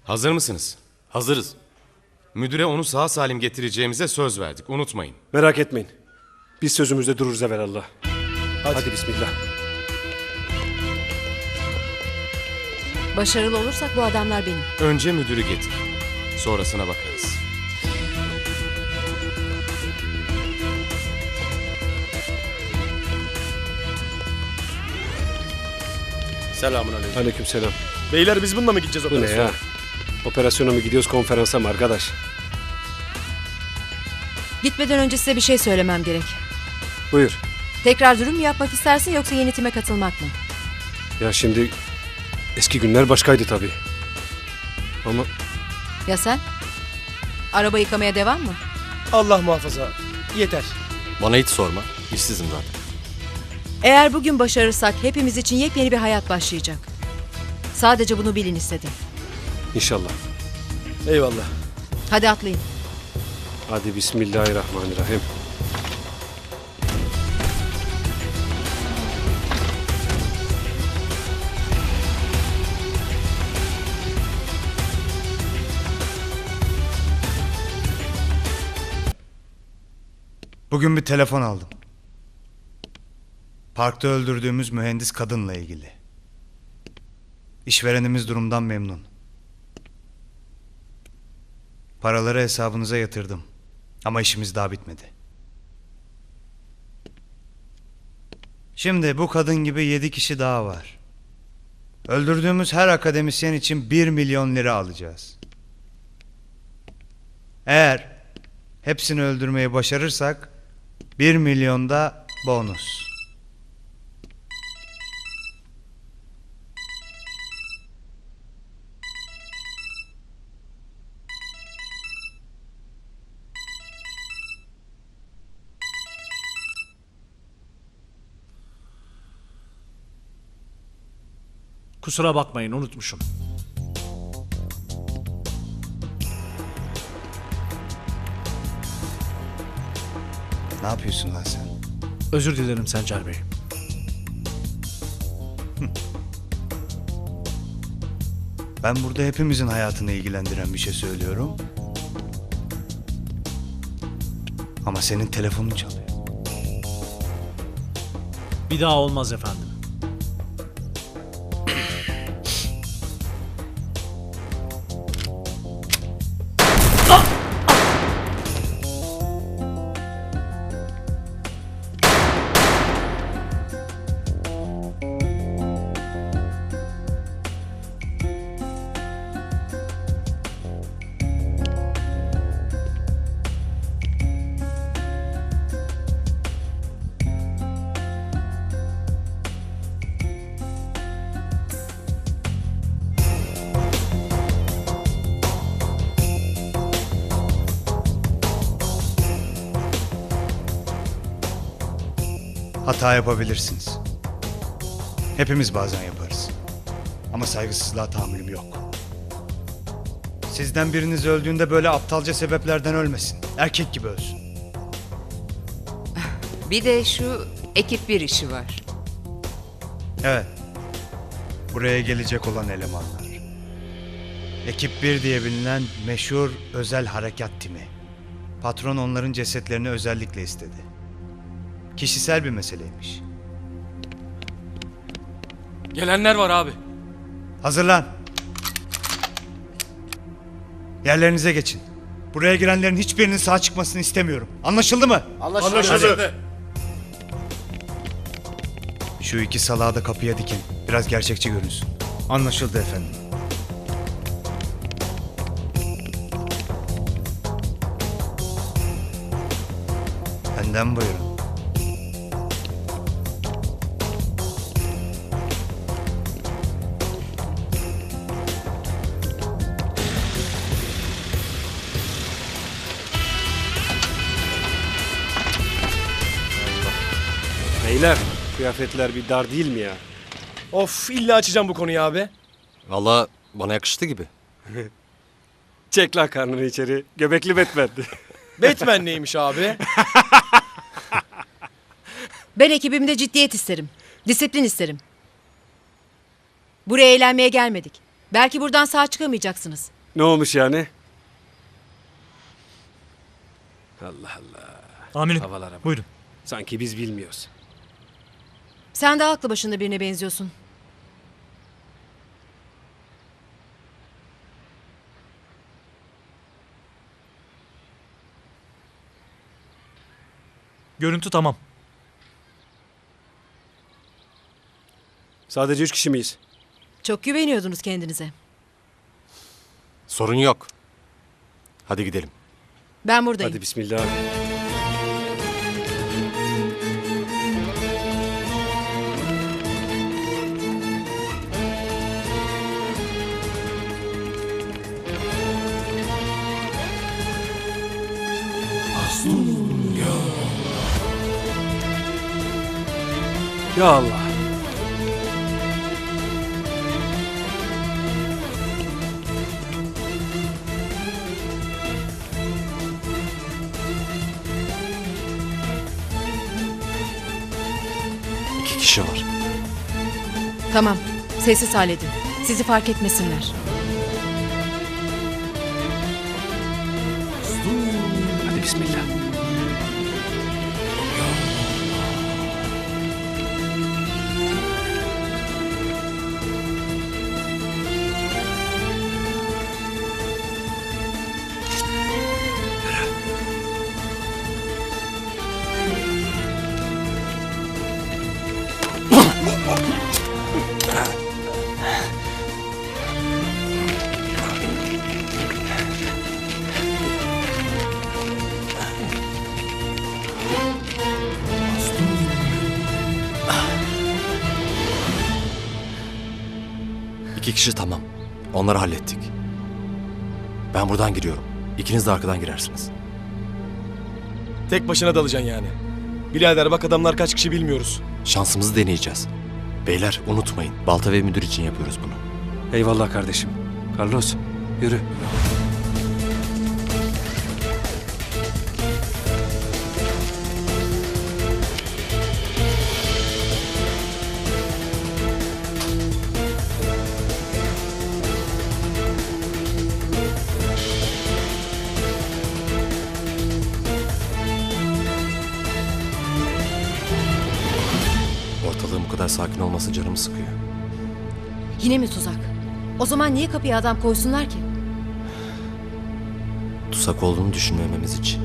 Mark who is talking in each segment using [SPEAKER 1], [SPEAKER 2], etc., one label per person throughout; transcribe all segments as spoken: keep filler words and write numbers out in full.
[SPEAKER 1] Hazır mısınız?
[SPEAKER 2] Hazırız.
[SPEAKER 1] Müdüre onu sağ salim getireceğimize söz verdik. Unutmayın.
[SPEAKER 3] Merak etmeyin. Biz sözümüzde dururuz evelallah. Hadi. Hadi bismillah.
[SPEAKER 4] Başarılı olursak bu adamlar benim.
[SPEAKER 1] Önce müdürü getir. Sonrasına bakarız.
[SPEAKER 2] Selamünaleyküm.
[SPEAKER 3] Aleykümselam.
[SPEAKER 2] Beyler biz bununla mı gideceğiz
[SPEAKER 3] Bu ne
[SPEAKER 2] operasyona?
[SPEAKER 3] ya? Operasyona mı gidiyoruz, konferansa mı arkadaş?
[SPEAKER 4] Gitmeden önce size bir şey söylemem gerek.
[SPEAKER 3] Buyur.
[SPEAKER 4] Tekrar dürüm mü yapmak istersin yoksa yönetime katılmak mı?
[SPEAKER 3] Ya şimdi eski günler başkaydı tabii. Ama
[SPEAKER 4] Ya sen? Araba yıkamaya devam mı?
[SPEAKER 2] Allah muhafaza. Yeter.
[SPEAKER 5] Bana hiç sorma. İşsizim zaten.
[SPEAKER 4] Eğer bugün başarırsak hepimiz için yepyeni bir hayat başlayacak. Sadece bunu bilin istedim.
[SPEAKER 3] inşallah.
[SPEAKER 2] Eyvallah.
[SPEAKER 4] Hadi atlayın.
[SPEAKER 3] Hadi bismillahirrahmanirrahim.
[SPEAKER 6] Bugün bir telefon aldım. Parkta öldürdüğümüz mühendis kadınla ilgili. İşverenimiz durumdan memnun. Paraları hesabınıza yatırdım. Ama işimiz daha bitmedi. Şimdi bu kadın gibi yedi kişi daha var. Öldürdüğümüz her akademisyen için bir milyon lira alacağız. Eğer hepsini öldürmeyi başarırsak bir milyon da bonus.
[SPEAKER 7] Kusura bakmayın, unutmuşum.
[SPEAKER 6] Ne yapıyorsun lan sen?
[SPEAKER 7] Özür dilerim Sencer Bey.
[SPEAKER 6] Ben burada hepimizin hayatını ilgilendiren bir şey söylüyorum. Ama senin telefonun çalıyor.
[SPEAKER 7] Bir daha olmaz efendim.
[SPEAKER 6] Hata yapabilirsiniz. Hepimiz bazen yaparız. Ama saygısızlığa tahammülüm yok. Sizden biriniz öldüğünde böyle aptalca sebeplerden ölmesin. Erkek gibi ölsün.
[SPEAKER 8] Bir de şu ekip bir işi var.
[SPEAKER 6] Evet. Buraya gelecek olan elemanlar. Ekip bir diye bilinen meşhur özel harekat timi. Patron onların cesetlerini özellikle istedi. Kişisel bir meseleymiş.
[SPEAKER 2] Gelenler var abi.
[SPEAKER 6] Hazırlan. Yerlerinize geçin. Buraya girenlerin hiçbirinin sağ çıkmasını istemiyorum. Anlaşıldı mı?
[SPEAKER 2] Anlaşıldı.
[SPEAKER 6] Şu iki salağı da kapıya dikin. Biraz gerçekçi görünsün. Anlaşıldı efendim. Benden buyurun.
[SPEAKER 3] Beyler, kıyafetler bir dar değil mi ya?
[SPEAKER 2] Of illa açacağım bu konuyu abi.
[SPEAKER 5] Valla bana yakıştı gibi.
[SPEAKER 3] Çek lan karnını içeri. Göbekli Batman.
[SPEAKER 2] Batman neymiş abi?
[SPEAKER 4] Ben ekibimde ciddiyet isterim. Disiplin isterim. Buraya eğlenmeye gelmedik. Belki buradan sağ çıkamayacaksınız.
[SPEAKER 3] Ne olmuş yani? Allah Allah.
[SPEAKER 7] Amirim.
[SPEAKER 3] Havalara bak.
[SPEAKER 7] Buyurun.
[SPEAKER 3] Sanki biz bilmiyoruz.
[SPEAKER 4] Sen de aklı başında birine benziyorsun.
[SPEAKER 7] Görüntü tamam.
[SPEAKER 3] Sadece üç kişi miyiz?
[SPEAKER 4] Çok güveniyordunuz kendinize.
[SPEAKER 5] Sorun yok. Hadi gidelim.
[SPEAKER 4] Ben buradayım.
[SPEAKER 3] Hadi bismillah abi. Ya Allah.
[SPEAKER 5] İki kişi var.
[SPEAKER 4] Tamam. Sessiz halledin. Sizi fark etmesinler.
[SPEAKER 3] Hadi bismillah.
[SPEAKER 5] İki kişi tamam. Onları hallettik. Ben buradan giriyorum. İkiniz de arkadan girersiniz.
[SPEAKER 2] Tek başına dalacaksın yani. Birader bak adamlar kaç kişi bilmiyoruz.
[SPEAKER 5] Şansımızı deneyeceğiz. Beyler unutmayın. Balta ve müdür için yapıyoruz bunu.
[SPEAKER 3] Eyvallah kardeşim. Carlos yürü.
[SPEAKER 5] Ortalığın bu kadar sakin olması canımı sıkıyor.
[SPEAKER 4] Yine mi tuzak? O zaman niye kapıya adam koysunlar ki?
[SPEAKER 5] Tutsak olduğunu düşünmememiz için.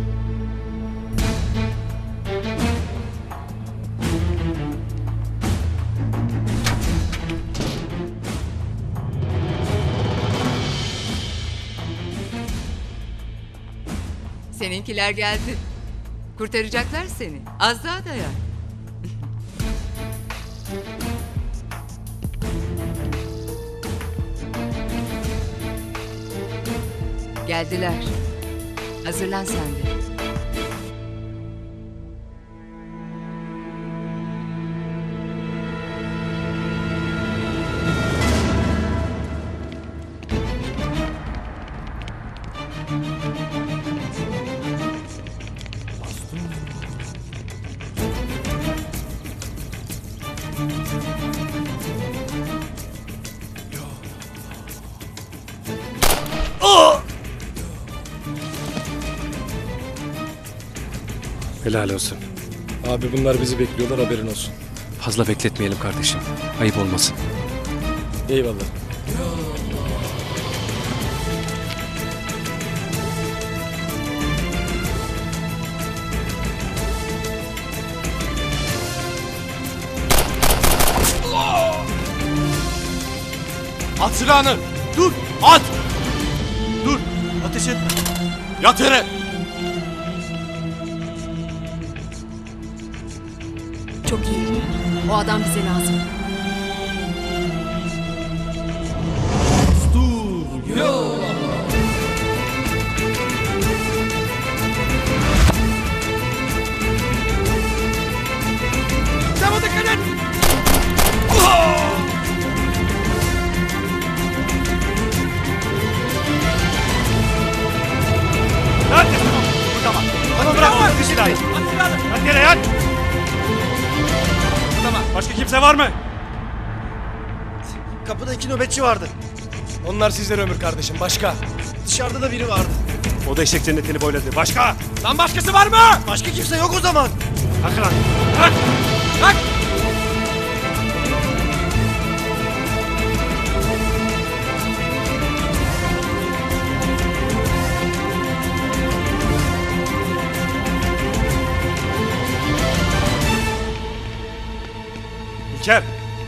[SPEAKER 8] Seninkiler geldi. Kurtaracaklar seni. Az daha dayan. Geldiler. Hazırlan sen de.
[SPEAKER 3] Helal olsun.
[SPEAKER 2] Abi bunlar bizi bekliyorlar haberin olsun.
[SPEAKER 3] Fazla bekletmeyelim kardeşim. Ayıp olmasın.
[SPEAKER 2] Eyvallah.
[SPEAKER 1] At silahını! Dur! At! Dur! Ateş etme! Yat yere!
[SPEAKER 4] Çok iyi. O adam bize lazım.
[SPEAKER 3] Tamam bırak bu silahı. Yat yere yat. Tamam. Başka kimse var mı?
[SPEAKER 2] Kapıda iki nöbetçi vardı. Onlar sizlere ömür kardeşim başka. dışarıda da biri vardı.
[SPEAKER 3] O da eşek cennetini boyladı. Başka?
[SPEAKER 2] Lan başkası var mı? Başka kimse yok o zaman.
[SPEAKER 3] Kalk lan. Kalk.
[SPEAKER 2] Kalk.
[SPEAKER 3] İlker.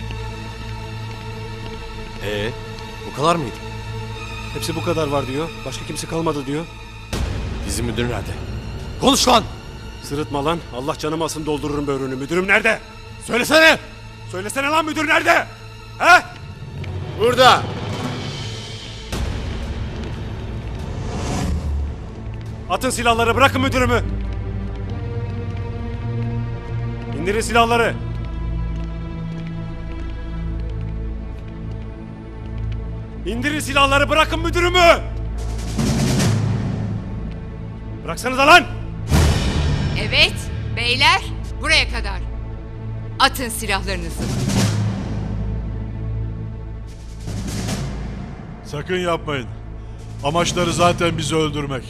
[SPEAKER 5] Ee, bu kadar mıydı?
[SPEAKER 3] Hepsi bu kadar var diyor. Başka kimse kalmadı diyor.
[SPEAKER 5] Bizim müdür nerede? Konuş lan!
[SPEAKER 3] Sırıtma lan. Allah canımı alsın doldururum böğrünü. Müdürüm nerede?
[SPEAKER 5] Söylesene!
[SPEAKER 3] Söylesene lan müdür nerede? He?
[SPEAKER 5] Burada!
[SPEAKER 3] Atın silahları, bırakın müdürümü. İndirin silahları. İndirin silahları, bırakın müdürümü. Bıraksanıza lan.
[SPEAKER 8] Evet, beyler buraya kadar. Atın silahlarınızı.
[SPEAKER 9] Sakın yapmayın. Amaçları zaten bizi öldürmek.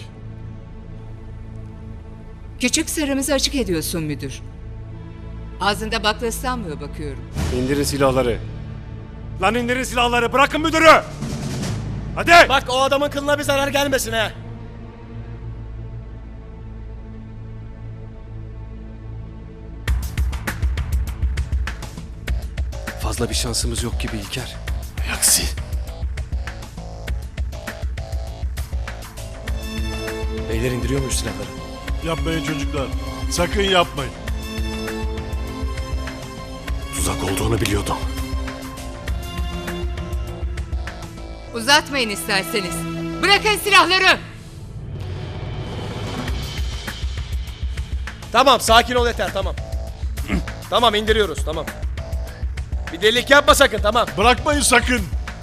[SPEAKER 8] Küçük sırrımızı açık ediyorsun müdür. Ağzında bakla ıslanmıyor bakıyorum.
[SPEAKER 3] İndirin silahları. Lan indirin silahları, bırakın müdürü. Hadi.
[SPEAKER 2] Bak o adamın kılına bir zarar gelmesin ha.
[SPEAKER 3] Fazla bir şansımız yok gibi İlker.
[SPEAKER 5] Aksi.
[SPEAKER 2] Beyler indiriyor muyuz silahları?
[SPEAKER 9] Yapmayın çocuklar. Sakın yapmayın.
[SPEAKER 5] Tuzak olduğunu biliyordum.
[SPEAKER 8] Uzatmayın isterseniz. Bırakın silahları.
[SPEAKER 2] Tamam sakin ol yeter tamam. Tamam indiriyoruz tamam. Bir delilik yapma sakın tamam.
[SPEAKER 9] Bırakmayın sakın.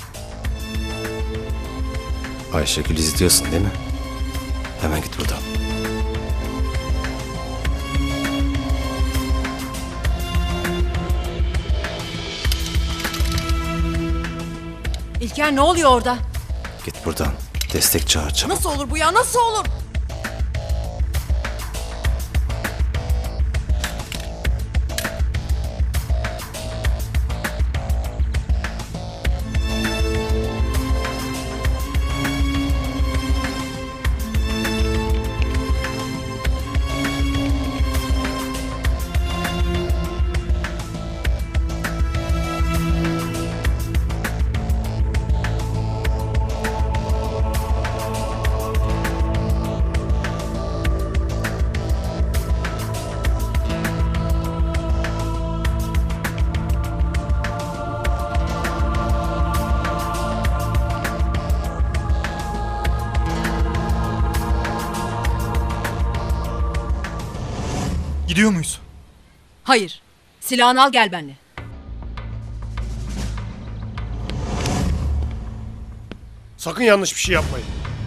[SPEAKER 5] Ayşegül izliyorsun değil mi? Hemen git buradan.
[SPEAKER 4] İlker ne oluyor orada?
[SPEAKER 5] Git buradan. Destek çağır çabuk.
[SPEAKER 4] Nasıl olur bu ya? Nasıl olur?
[SPEAKER 7] Gidiyor muyuz?
[SPEAKER 4] Hayır. Silahını al gel benimle.
[SPEAKER 2] Sakın yanlış bir şey yapmayın.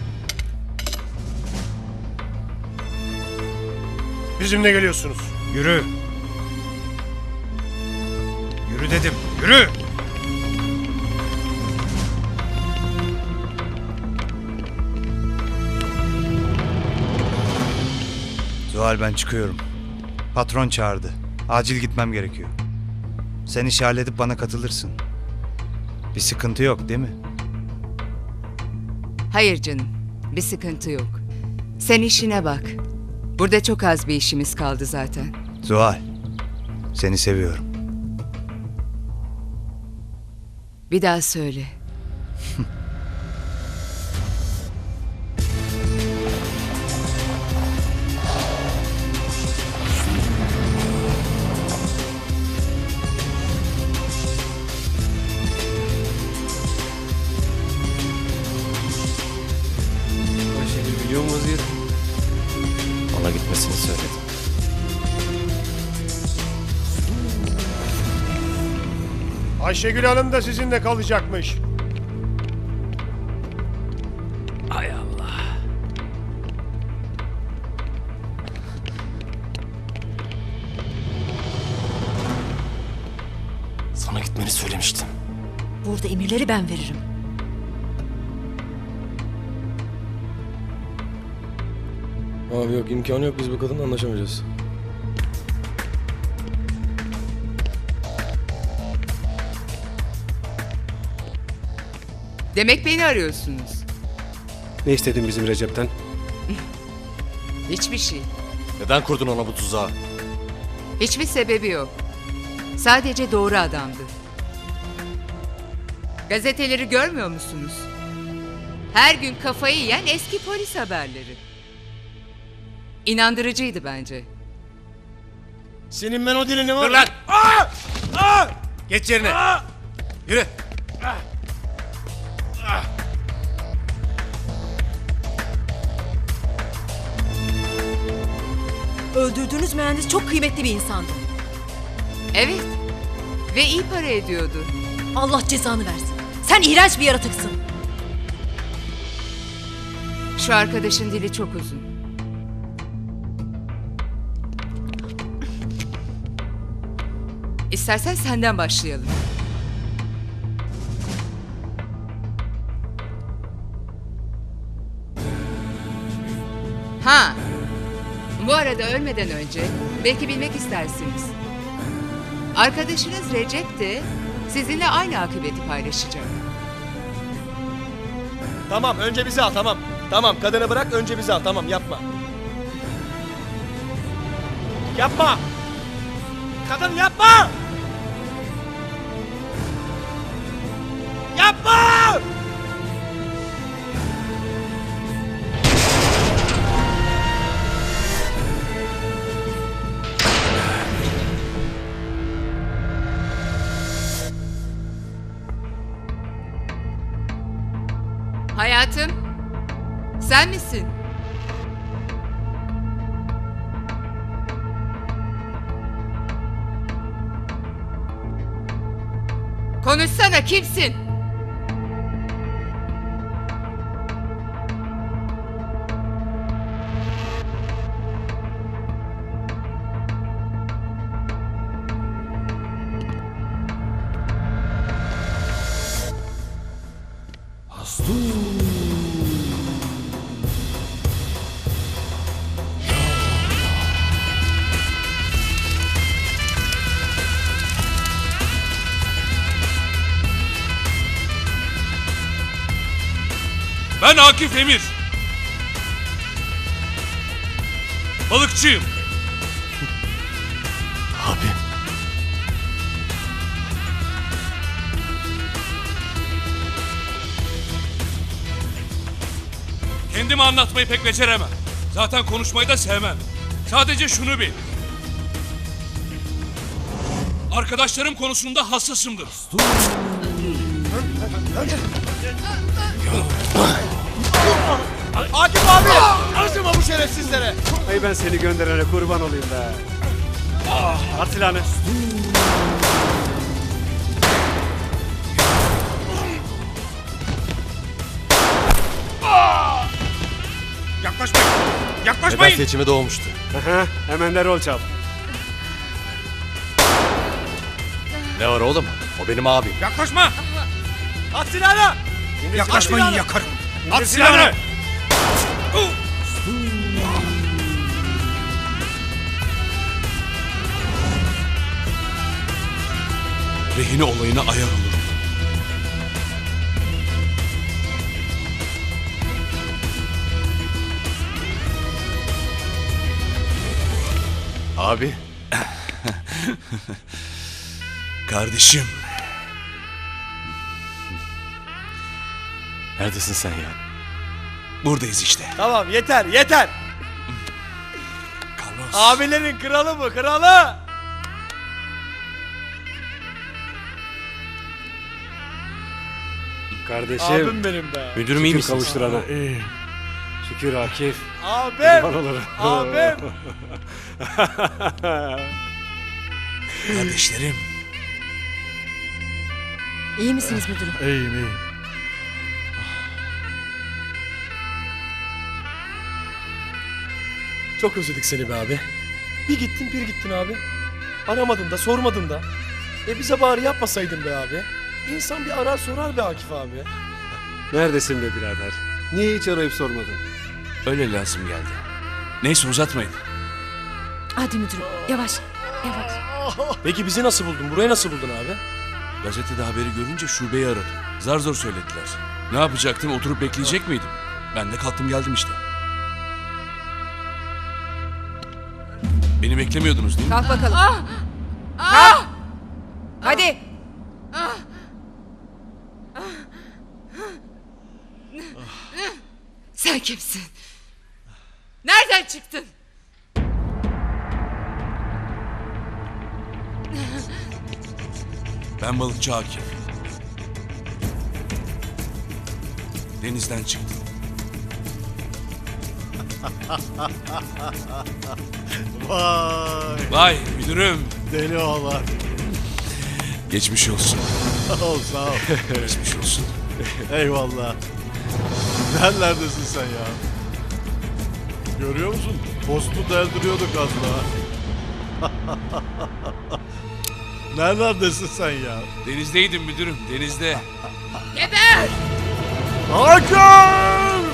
[SPEAKER 2] Bizimle geliyorsunuz.
[SPEAKER 6] Yürü. Yürü dedim. Yürü. Zuhal ben çıkıyorum. Patron çağırdı. Acil gitmem gerekiyor. Sen işi halledip bana katılırsın. Bir sıkıntı yok değil mi?
[SPEAKER 8] Hayır canım, bir sıkıntı yok. Sen işine bak. Burada çok az bir işimiz kaldı zaten.
[SPEAKER 6] Zuhal, seni seviyorum.
[SPEAKER 8] Bir daha söyle.
[SPEAKER 2] Ayşegül biliyor mu vaziyeti?
[SPEAKER 5] Ona gitmesini söyledim.
[SPEAKER 2] Ayşegül Hanım da sizinle kalacakmış.
[SPEAKER 5] Sana gitmeni söylemiştim.
[SPEAKER 4] Burada emirleri ben veririm.
[SPEAKER 2] Abi yok, imkanı yok, biz bu kadınla anlaşamayacağız.
[SPEAKER 8] Demek beni arıyorsunuz.
[SPEAKER 10] Ne istedin bizim Recep'ten?
[SPEAKER 8] Hiçbir şey.
[SPEAKER 5] Neden kurdun ona bu tuzağı?
[SPEAKER 8] Hiçbir sebebi yok. Sadece doğru adamdı. Gazeteleri görmüyor musunuz? Her gün kafayı yiyen eski polis haberleri. İnandırıcıydı bence.
[SPEAKER 2] Senin ben o dilini var.
[SPEAKER 3] Dur lan! Geç yerine. Yürü.
[SPEAKER 4] Öldürdüğünüz mühendis çok kıymetli bir insandı.
[SPEAKER 8] Evet. Ve iyi para ediyordu.
[SPEAKER 4] Allah cezanı versin. Sen iğrenç bir yaratıksın.
[SPEAKER 8] Şu arkadaşın dili çok uzun. İstersen senden başlayalım. Ha. Bu arada ölmeden önce belki bilmek istersiniz. Arkadaşınız Recep de sizinle aynı akıbeti paylaşacak.
[SPEAKER 2] Tamam, önce bizi al, tamam. Tamam, kadını bırak, önce bizi al, tamam, yapma. Yapma! Kadın yapma! Yapma!
[SPEAKER 8] Hayatım, sen misin? Konuşsana, kimsin?
[SPEAKER 3] Ben Akif Emir. Balıkçıyım.
[SPEAKER 5] Abi.
[SPEAKER 3] Kendimi anlatmayı pek beceremem. Zaten konuşmayı da sevmem. Sadece şunu bil. Arkadaşlarım konusunda hassasımdır.
[SPEAKER 2] Akif abi! Acıma bu şerefsizlere!
[SPEAKER 10] Ay ben seni gönderene kurban olayım be. At silahını.
[SPEAKER 3] Yaklaşmayın.
[SPEAKER 5] Neden
[SPEAKER 3] Yaklaşmayın.
[SPEAKER 5] seçime doğmuştu?
[SPEAKER 10] Aha, hemen de rol çal.
[SPEAKER 5] Ne var oğlum? O benim abim.
[SPEAKER 3] Yaklaşma.
[SPEAKER 2] At silahını!
[SPEAKER 3] Yaklaşmayın,
[SPEAKER 2] silahını.
[SPEAKER 3] yakarım. At silahını. Rehine olayına ayar olurum.
[SPEAKER 5] Abi.
[SPEAKER 3] Kardeşim.
[SPEAKER 5] Neredesin sen ya?
[SPEAKER 3] Buradayız işte.
[SPEAKER 2] Tamam, yeter, yeter!
[SPEAKER 3] Carlos.
[SPEAKER 2] Abilerin kralı bu, kralı!
[SPEAKER 10] Kardeşim.
[SPEAKER 2] Abim benim be.
[SPEAKER 5] Müdürüm iyi
[SPEAKER 10] Şükür
[SPEAKER 5] misiniz?
[SPEAKER 10] kavuşturana. Şükür Akif.
[SPEAKER 2] Abim!
[SPEAKER 10] Kurban olurum.
[SPEAKER 2] Abim!
[SPEAKER 3] Kardeşlerim.
[SPEAKER 4] İyi misiniz müdürüm?
[SPEAKER 9] İyiyim iyiyim.
[SPEAKER 2] Çok özledik seni be abi. Bir gittin bir gittin abi. Aramadın da sormadın da. E bize bari yapmasaydın be abi. İnsan bir arar sorar be Akif abi.
[SPEAKER 10] Neredesin be birader? Niye hiç arayıp sormadın?
[SPEAKER 3] Öyle lazım geldi.
[SPEAKER 9] Neyse uzatmayın.
[SPEAKER 4] Hadi müdürüm yavaş yavaş.
[SPEAKER 2] Peki bizi nasıl buldun? Burayı nasıl buldun abi?
[SPEAKER 9] Gazetede haberi görünce şubeyi aradım. Zar zor söylediler. Ne yapacaktım? Oturup bekleyecek miydim? Ben de kalktım geldim işte. Beni beklemiyordunuz değil mi?
[SPEAKER 8] Kalk bakalım. Kalk. Hadi. Sen kimsin? Nereden çıktın?
[SPEAKER 9] Ben balıkçı Akif. Denizden çıktım.
[SPEAKER 10] Vay
[SPEAKER 9] Vay müdürüm.
[SPEAKER 10] deli oğlan.
[SPEAKER 9] Geçmiş olsun.
[SPEAKER 10] Sağ ol sağ ol.
[SPEAKER 9] Geçmiş olsun.
[SPEAKER 10] Eyvallah. Nerelerdesin sen ya? Görüyor musun? Postu deldiriyorduk az daha. Nerelerdesin sen ya?
[SPEAKER 9] Denizdeydim müdürüm, denizde.
[SPEAKER 8] Geber!
[SPEAKER 10] Hakan!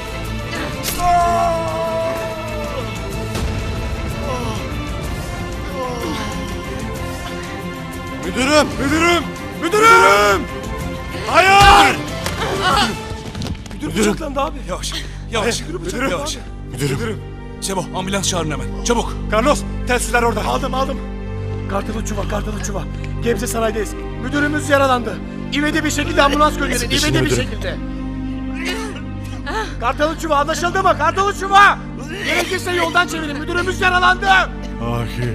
[SPEAKER 3] Müdürüm! Müdürüm! Müdürüm! Hayır!
[SPEAKER 2] Müdür bıçaklandı abi.
[SPEAKER 9] Yavaş, yavaş,
[SPEAKER 2] Müdürüm.
[SPEAKER 9] yavaş. Müdürüm. Sebo, ambulans çağırın hemen, çabuk.
[SPEAKER 3] Carlos, telsizler orada.
[SPEAKER 2] Aldım aldım. Kartalı çuva, kartalı çuva. Gebze sanayideyiz. Müdürümüz yaralandı. İvedi bir şekilde ambulans gönderin. İvedi bir şekilde. Kartalı çuva anlaşıldı mı? Kartalı çuva. Gerekirse yoldan çevirin. Müdürümüz yaralandı.
[SPEAKER 10] Akif.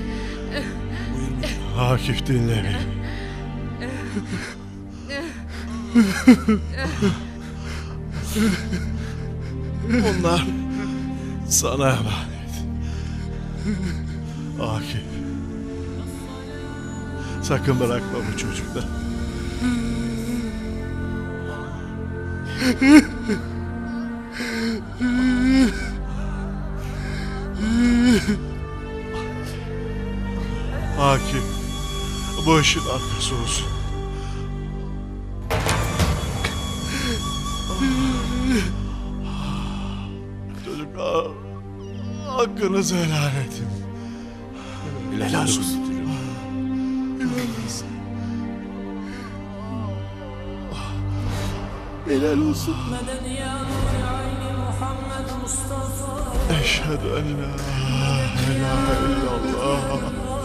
[SPEAKER 10] Akif dinle beni. Onlar sana emanet. Akif. Sakın bırakma bu çocukları. Akif. Bu işin arkası olsun. Çocuklar, hakkınızı helal edin.
[SPEAKER 9] Helal olsun.
[SPEAKER 10] Helal olsun. Eşhedü en la ilahe illallah.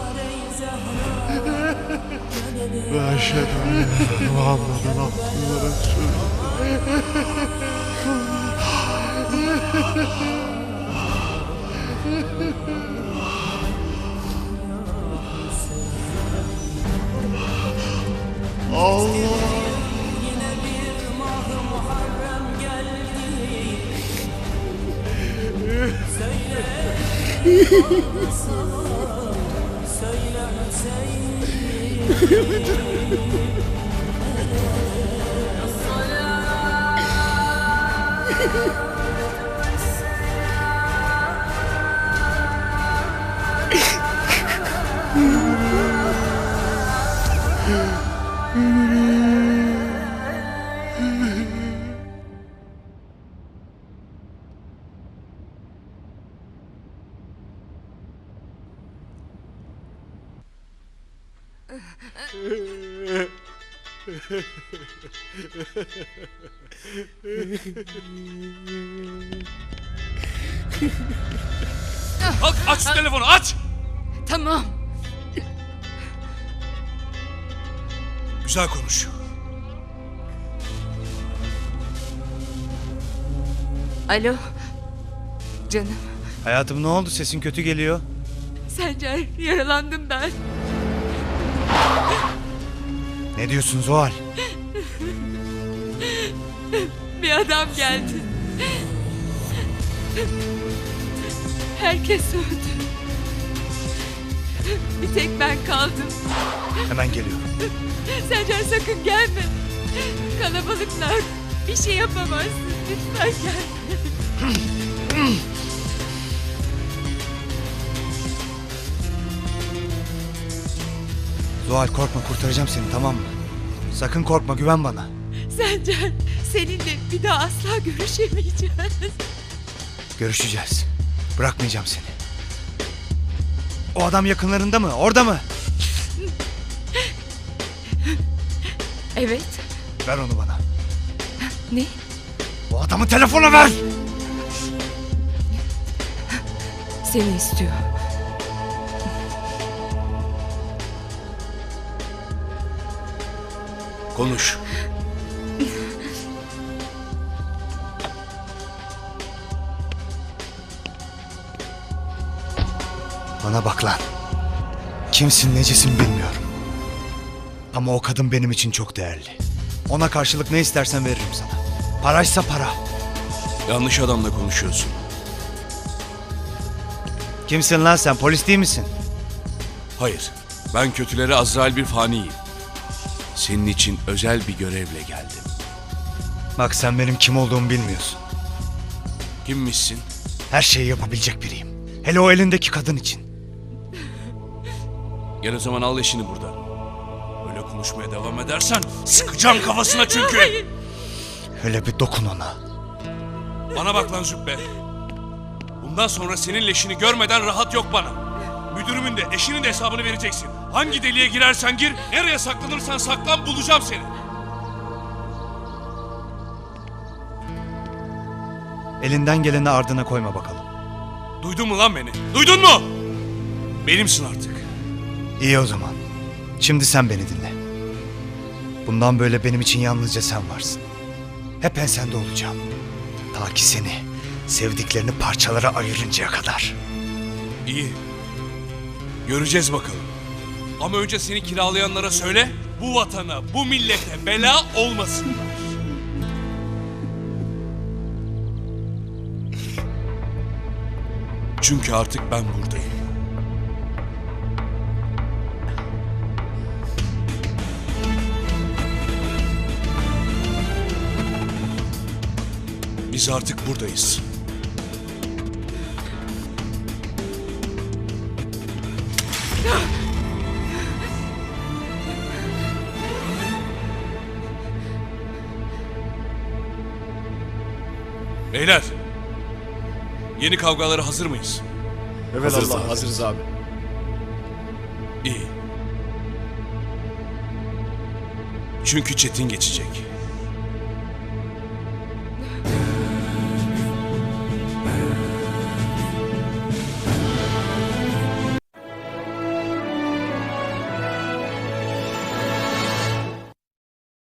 [SPEAKER 10] Ve eşhedü enne Muhammeden abdühü ve resulühü. Allah.
[SPEAKER 9] Kalk, aç şu telefonu, aç!
[SPEAKER 8] Tamam.
[SPEAKER 9] Güzel konuş.
[SPEAKER 8] Alo. Canım.
[SPEAKER 6] Hayatım ne oldu? Sesin kötü geliyor.
[SPEAKER 8] Sencer, yaralandım ben.
[SPEAKER 6] Ne diyorsun Zuhal?
[SPEAKER 8] Bir adam geldi. Herkes öldü. Bir tek ben kaldım.
[SPEAKER 6] Hemen geliyorum.
[SPEAKER 8] Sencer sakın gelme. Kalabalıklar. Bir şey yapamazsın. Lütfen gelme.
[SPEAKER 6] Zuhal korkma, kurtaracağım seni, tamam mı? Sakın korkma, güven bana.
[SPEAKER 8] Sencer, seninle bir daha asla görüşemeyeceğiz.
[SPEAKER 6] Görüşeceğiz. Bırakmayacağım seni. O adam yakınlarında mı? Orada mı?
[SPEAKER 4] Evet.
[SPEAKER 6] Ver onu bana.
[SPEAKER 4] Ne?
[SPEAKER 6] O adamı telefona ver!
[SPEAKER 4] Seni istiyor.
[SPEAKER 9] Konuş.
[SPEAKER 6] Bana bak lan. Kimsin necisin bilmiyorum. Ama o kadın benim için çok değerli. Ona karşılık ne istersen veririm sana. Paraysa para.
[SPEAKER 9] Yanlış adamla konuşuyorsun.
[SPEAKER 6] Kimsin lan sen? Polis değil misin?
[SPEAKER 9] Hayır. Ben kötülere Azrail bir faniyim. Senin için özel bir görevle geldim.
[SPEAKER 6] Bak sen benim kim olduğumu bilmiyorsun.
[SPEAKER 9] Kimmişsin?
[SPEAKER 6] Her şeyi yapabilecek biriyim. Hele o elindeki kadın için.
[SPEAKER 9] Gel o zaman al eşini buradan. Öyle konuşmaya devam edersen sıkacağım kafasına çünkü.
[SPEAKER 6] Öyle bir dokun ona.
[SPEAKER 9] Bana bak lan Zübbe. Bundan sonra senin leşini görmeden rahat yok bana. Müdürümün de eşinin de hesabını vereceksin. Hangi deliğe girersen gir, nereye saklanırsan saklan bulacağım seni.
[SPEAKER 6] Elinden geleni ardına koyma bakalım.
[SPEAKER 9] Duydun mu lan beni? Duydun mu? Benimsin artık.
[SPEAKER 6] İyi o zaman. Şimdi sen beni dinle. Bundan böyle benim için yalnızca sen varsın. Hep ben sende olacağım. Ta ki seni, sevdiklerini parçalara ayırıncaya kadar.
[SPEAKER 9] İyi. Göreceğiz bakalım. Ama önce seni kiralayanlara söyle, bu vatana, bu millete bela olmasınlar. Çünkü artık ben buradayım. Biz artık buradayız. Beyler, yeni kavgalara hazır mıyız?
[SPEAKER 10] Evet Allah, hazırız abi.
[SPEAKER 9] İyi. Çünkü Çetin geçecek.